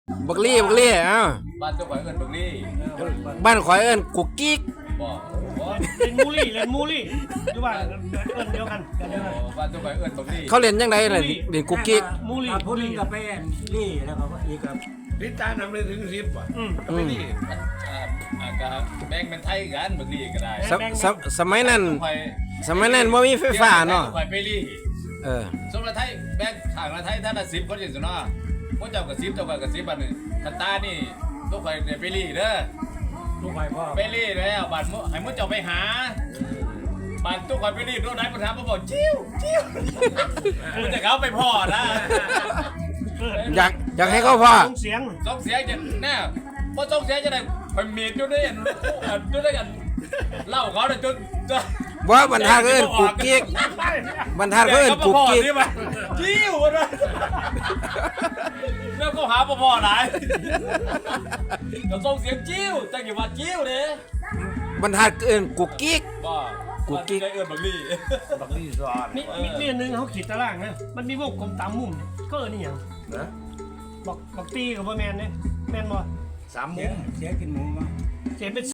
บักลี่เอ้าบ้านเจ้าข่อยเอิ้นบักลี่บ้านข่อยเอิ้นกุกกิ๊กบ่บ่เล่นมูลี่หรือว่าเอิ้นเดียวกันบ้านเจ้าข่อยเอิ้นบักลี่เขาเล่นยังไงล่ะเล่นกุกกิ๊กมูลี่พูดถึงกับแป้นลี่แล้วก็อีกกับลิตาทำเลยถึง10ป่ะก็ไม่ดีก็แบ่งเป็นไทยกันบักลี่ก็ได้สมัยนั้นบ่มีไฟฟ้าเนาะข่อยไปลี่ สมมุติไทยแบ่งข้างละไทยท่านละ10คนจังซี่เนาะพวกเจ้าก็10เจ้าก็10บัดนึงคันตานี่ตัวข่อยได้ไปลี่เด้อลูกไปพ่อไปรีดแล้วบัตรให้มึงเจ้าไปหาบัตรทุกคนไปรีดโดนไหนปัญหามาบอกจิ้วมึงจะเขาไปพ่อนะอยากให้เขาพ่อเสียงต้องเสียจะแน่พอต้องเสียจะได้ไปเมียจุดได้กันจุดได้กันเล่าเขาเลยจุดบ่บรรทัดเอิ้นกุกกิ๊กบรรทัดเอิ้นกุกกิ๊กจิ้วนะแล้วก็หาพ่อหลายเราส่งเสียงจิ้วแต่อย่าว่าจิ้วเลยบรรทัดเอิ้นกุกกิ๊กบ้ากุ๊กกิ๊กเอิญบักลี่บักลี่ซอนนี่นึงเขาขีดตารางนะมันมีวงกลมตามมุมก็นี่อย่างนะบอกตีกับบ่แมนเนี่ยแมนบ่ 3 มุมเสียกินหมูมั้งเสียเป็น